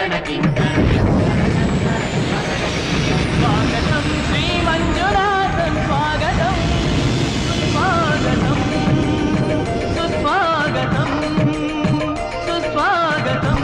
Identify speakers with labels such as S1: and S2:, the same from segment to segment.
S1: స్వాగతం శ్రీ మంజునాథం స్వాగతం సుస్వాగతం సుస్వాగతం.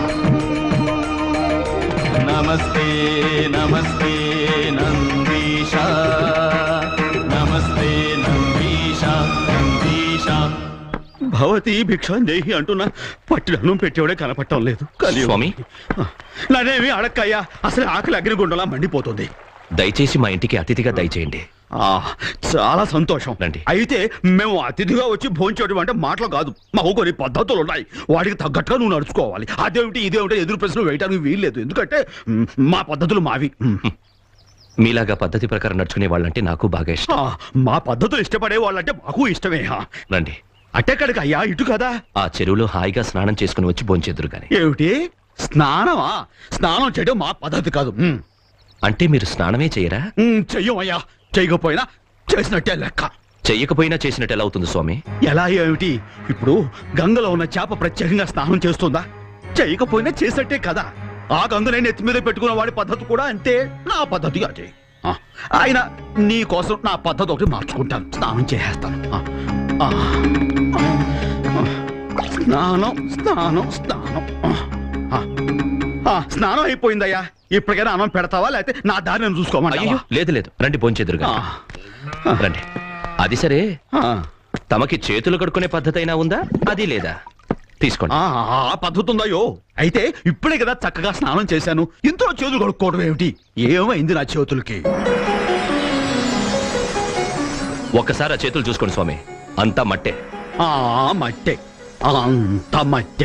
S1: నమస్తే నమస్తే నందీశ, నమస్తే నందీశ నందీశ. భవతి భిక్షాందేహి అంటున్నా పట్టిన పెట్టేవాడే కనపడటం లేదు.
S2: స్వామి,
S1: నానేమి అడక్కయ్యా, అసలు ఆకలి అగ్నిగుండంలా మండిపోతుంది.
S2: దయచేసి మా ఇంటికి అతిథిగా దయచేయండి.
S1: చాలా సంతోషం.
S2: రండి.
S1: అయితే మేము అతిథిగా వచ్చి భోంచేయడం అంటే మాటలు కాదు, మాకు కొన్ని పద్ధతులు ఉన్నాయి. వాటికి తగ్గట్టుగా నువ్వు నడుచుకోవాలి. అదేమిటి ఇదేమిటి ఎదురు ప్రశ్నలు వేయడానికి వీల్లేదు, ఎందుకంటే మా పద్ధతులు మావి.
S2: మీలాగా పద్ధతి ప్రకారం నడుచుకునే వాళ్ళంటే నాకు బాగా ఇష్టం.
S1: మా పద్ధతులు ఇష్టపడే వాళ్ళంటే మాకు ఇష్టమే.
S2: రండి.
S1: అట్టెక్కడికి అయ్యా, ఇటు కదా.
S2: ఆ చెరువులో హాయిగా స్నానం చేసుకుని వచ్చి భోంచేదురు గాని.
S1: ఏమిటి స్నానమా? స్నానం చేయడం మా పద్ధతి కాదు.
S2: అంటే మీరు స్నానమే చేయరా?
S1: చెయ్యమయ్యా, చెయ్యకపోయినా చేసినట్టే లెక్క.
S2: చెయ్యకపోయినా చేసినట్టు ఎలా అవుతుంది స్వామి?
S1: ఎలా ఏమిటి? ఇప్పుడు గంగలో ఉన్న చేప ప్రత్యేకంగా స్నానం చేస్తుందా? చెయ్యకపోయినా చేసినట్టే కదా. ఆ గంగనే నెత్తి మీద పెట్టుకున్న వాడి పద్ధతి కూడా అంతే, నా పద్ధతి అదే. ఆయన నీ కోసం నా పద్ధతి ఒకటి మార్చుకుంటాను, స్నానం చేసేస్తాను. స్నానం స్నానం స్నానం. స్నానం అయిపోయిందయ్యా, ఇప్పటికైనా అన్నం పెడతావా లేకపోతే నా దారి నేను చూసుకోమని?
S2: లేదు లేదు, రండి భోంచేదురు గాని. రండి. అది సరే, తమకి చేతులు కడుక్కునే పద్ధతి అయినా ఉందా? అది లేదా? తీసుకోండి.
S1: ఆ పద్ధతి ఉందయ్యో. అయితే ఇప్పుడే కదా చక్కగా స్నానం చేశాను, ఇంతలో చేతులు కడుక్కోవడం ఏమిటి? ఏమైంది నా చేతులకి?
S2: ఒక్కసారి ఆ చేతులు చూసుకోండి స్వామి, అంతా మట్టే.
S1: మట్టే, అంత మట్టే.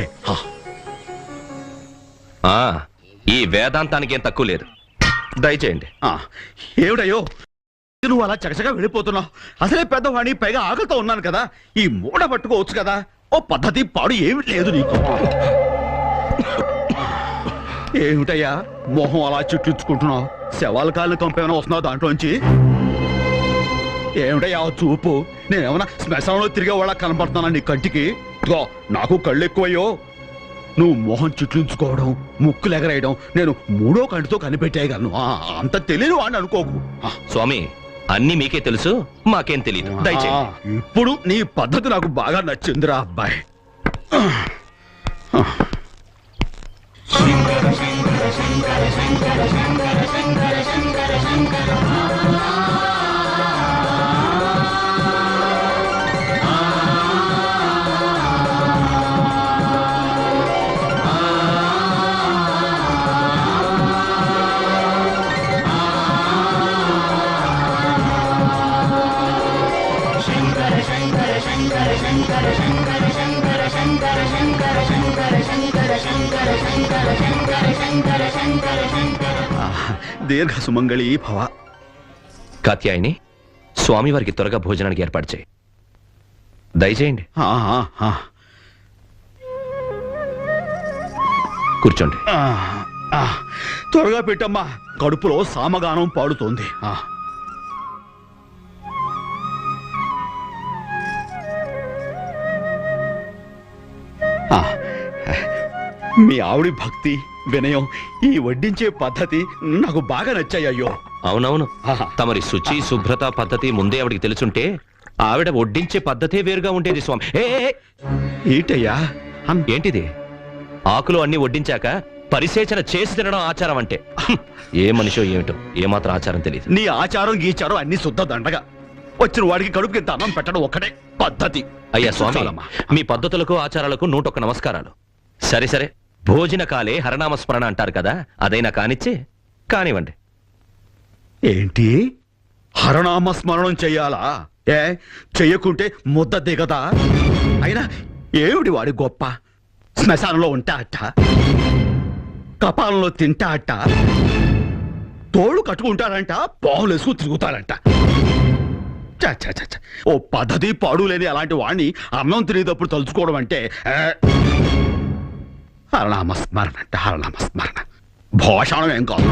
S2: ఈ వేదాంతానికి ఏం తక్కువ లేదు, దయచేయండి.
S1: ఏమిటయ్యో నువ్వు అలా చకచగా వెళ్ళిపోతున్నావు? అసలే పెద్దవాణి, పైగా ఆకలితో ఉన్నాను కదా. ఈ మూడ పట్టుకోవచ్చు కదా, ఓ పద్ధతి పాడు ఏమి లేదు నీకు. ఏమిటయ్యా మొహం అలా చుట్టించుకుంటున్నావు? శవాల కాళ్ళని కంపేమైనా వస్తున్నావు దాంట్లోంచి? ఏమిటయ్యా చూపు? నేనేమన్నా శ్మశానంలో తిరిగే వాళ్ళ కనపడుతున్నా నీ కంటికి? నాకు కళ్ళు ఎక్కువయ్యో. నువ్వు మొహం చుట్లించుకోవడం, ముక్కులు ఎగరేయడం నేను మూడో కంటితో కనిపెట్టేయగలను. అంత తెలియని వాడిని అనుకోకు.
S2: స్వామి, అన్ని మీకే తెలుసు, మాకేం తెలియదు, దయచేయండి.
S1: ఇప్పుడు నీ పద్ధతి నాకు బాగా నచ్చిందిరా అబ్బాయి. దీర్ఘ సుమంగళి భవ.
S2: కాత్యాయని, స్వామివారికి త్వరగా భోజనానికి ఏర్పాటు చేయి, దయచేయండి. కూర్చోండి.
S1: త్వరగా పెట్టమ్మా, కడుపులో సామగానం పాడుతోంది. మీ ఆవిడి భక్తి, వినయం, ఈ వడ్డించే పద్ధతి నాకు బాగా నచ్చాయ్యో.
S2: అవునవును, తమరి శుచి శుభ్రత పద్ధతి ముందే ఆవిడికి తెలుసుంటే ఆవిడ వడ్డించే పద్ధతే వేరుగా ఉండేది స్వామి.
S1: ఏంటయ్యా
S2: ఏంటిది? ఆకులు అన్ని వడ్డించాక పరిసేచన చేసి తినడం ఆచారం అంటే? ఏ మనిషో ఏమిటో, ఏమాత్రం ఆచారం తెలియదు.
S1: నీ ఆచారం గీచారం అన్ని శుద్ధ దండగా. వచ్చిన వాడికి కడుపుకి ఇంత అన్నం పెట్టడం ఒక్కటే పద్ధతి.
S2: అయ్యా స్వామి, మీ పద్ధతులకు ఆచారాలకు 101 నమస్కారాలు. సరే సరే, భోజన కాలే హరనామస్మరణ అంటారు కదా, అదైనా కానిచ్చి కానివ్వండి.
S1: ఏంటి హరనామస్మరణం చెయ్యాలా? చెయ్యకుంటే ముద్ద దిగదా? అయినా ఏమిటి వాడి గొప్ప? శ్మశానంలో ఉంటా అట్ట, కపాలంలో తింటా అట్ట, తోళ్ళు కట్టుకుంటారంట, పావులు వేసుకుని తిరుగుతారంట. ఓ పద్ధతి పాడు లేని అలాంటి వాడిని అన్నం తినేటప్పుడు తలుచుకోవడం అంటే హరనామస్మరణ అంటే హరనామస్మరణ, భోషణం ఏం కాదు.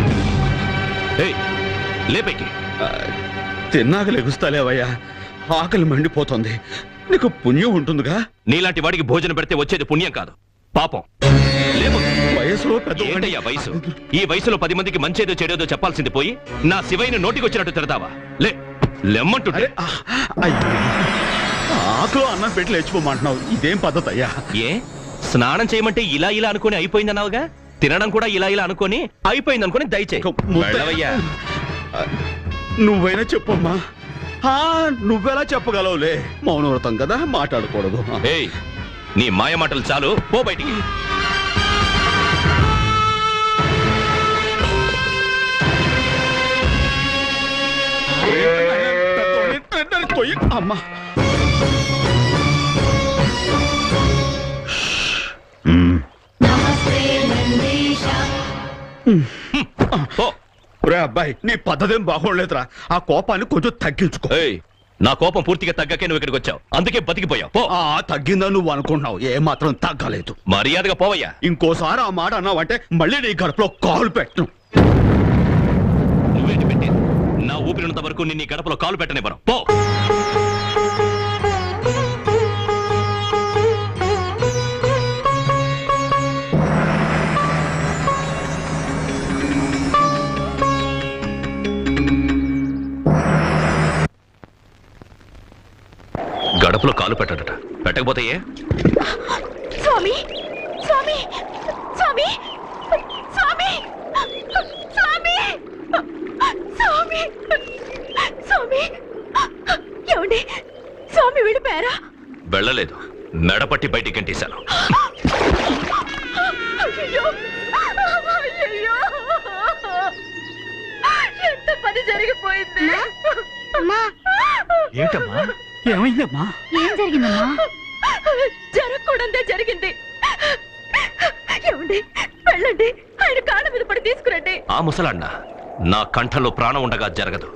S2: లేపేకి
S1: తిన్నాక లెగుస్తాలేవయ్యా, ఆకలి మండిపోతుంది. నీకు పుణ్యం ఉంటుందిగా.
S2: నీలాంటి వాడికి భోజనం పెడితే వచ్చేది పుణ్యం కాదు, పాపం.
S1: వయసులో పెద్ద
S2: ఏంటయ్యా వయసు? ఈ వయసులో 10 మందికి మంచేదో చెడేదో చెప్పాల్సింది పోయి నా శివయ్యని నోటికొచ్చినట్టు తిడతావా? లెమ్మంటుంటే.
S1: ఆకులో అన్నం పెట్టి లేచిపోమంటున్నావు, ఇదేం పద్ధతి అయ్యా?
S2: ఏ స్నానం చేయమంటే ఇలా ఇలా అనుకుని అయిపోయిందన్నావుగా, తినడం కూడా ఇలా ఇలా అనుకొని అయిపోయింది అనుకుని దయచేయి. వెళ్ళవయ్యా.
S1: నువ్వైనా చెప్పమ్మా. నువ్వెలా చెప్పగలవులే, మౌనవ్రతం కదా, మాట్లాడకూడదు.
S2: ఏయ్, నీ మాయ మాటలు చాలు, పో బయటికి.
S1: అమ్మా రే అబ్బాయి, నీ పద్ధతేం బాగోలేదురా. ఆ కోపాన్ని కొంచెం తగ్గించుకో.
S2: ఏయ్, నా కోపం పూర్తిగా తగ్గకే నువ్వు ఇక్కడికి వచ్చావు, అందుకే బతికిపోయావు. పో.
S1: తగ్గిందని నువ్వు అనుకుంటున్నావు, ఏ మాత్రం తగ్గలేదు.
S2: మర్యాదగా పోవయ్యా.
S1: ఇంకోసారి ఆ మాట అన్నావంటే మళ్ళీ నీ గడపలో కాలు పెట్టను.
S2: నువ్వేంటి పెట్టి నా ఊపిరినంత వరకు నిన్ను ఈ గడపలో కాలు పెట్టనివ్వను. పో. గడపలో కాలు పెట్టడట, పెట్టకపోతే ఏ?
S3: స్వామి స్వామి స్వామి స్వామి స్వామి స్వామి స్వామి ఏమండి, స్వామి వెళ్ళిపోయారా?
S2: వెళ్ళలేదు, మెడపట్టి బయటికి గంటేశాను.
S3: అయ్యయ్యో, అయ్యయ్యో, ఎంత పని జరిగిపోయింది.
S4: ఏంటమ్మా, ఏమైందమ్మా?
S3: ఏం జరిగిందమ్మా? జరగకూడదే జరిగింది. ఏమండి, వెళ్ళండి, ఆయన కాళ్ళ మీద పడి తీసుకురండి.
S2: ఆ ముసలాన్న నా కంఠంలో ప్రాణం ఉండగా జరగదు.